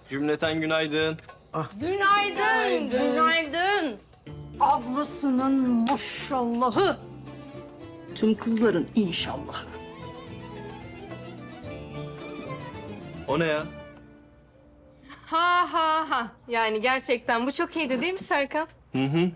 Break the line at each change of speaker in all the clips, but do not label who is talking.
Cümleten günaydın.
Günaydın. Günaydın. Ablasının maşallahı. Tüm kızların inşallah.
O ne ya?
Ha ha ha. Yani gerçekten bu çok iyiydi değil mi Serkan?
Hı hı.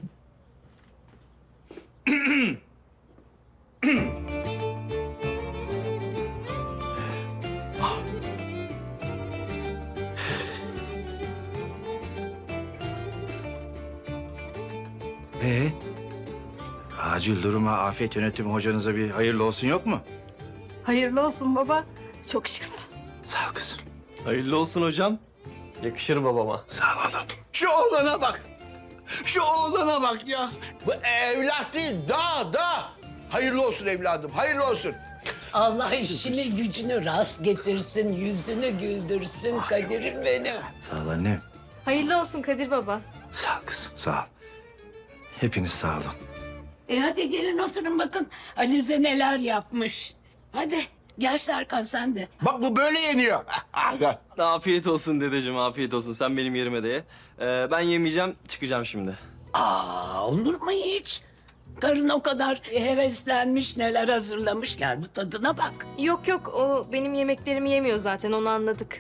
Acil duruma afet yönetimi hocanıza bir hayırlı olsun yok mu?
Hayırlı olsun baba. Çok şıksın.
Sağ ol kızım.
Hayırlı olsun hocam. Yakışır babama.
Sağ ol oğlum.
Şu oğlana bak. Şu oğlana bak ya. Bu evlat değil, da. Hayırlı olsun evladım, hayırlı olsun.
Allah işini gücünü rast getirsin, yüzünü güldürsün Kadir'im benim.
Sağ ol annem.
Hayırlı olsun Kadir baba.
Sağ ol kızım, sağ ol. Hepiniz sağ olun.
Hadi gelin oturun bakın Alize neler yapmış. Hadi gel Serkan sen de.
Bak bu böyle yeniyor.
Afiyet olsun dedeciğim, afiyet olsun. Sen benim yerime de ye. Ben yemeyeceğim, çıkacağım şimdi.
Olur mu hiç? Karın o kadar heveslenmiş neler hazırlamış gel bu tadına bak.
Yok yok o benim yemeklerimi yemiyor zaten onu anladık.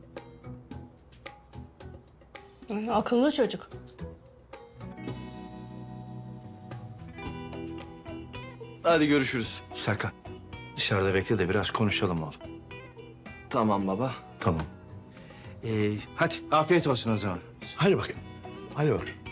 Akıllı çocuk.
Hadi görüşürüz.
Serkan, dışarıda bekle de biraz konuşalım oğlum.
Tamam baba.
Tamam. Hadi afiyet olsun o zaman.
Hadi bakayım, hadi bakayım.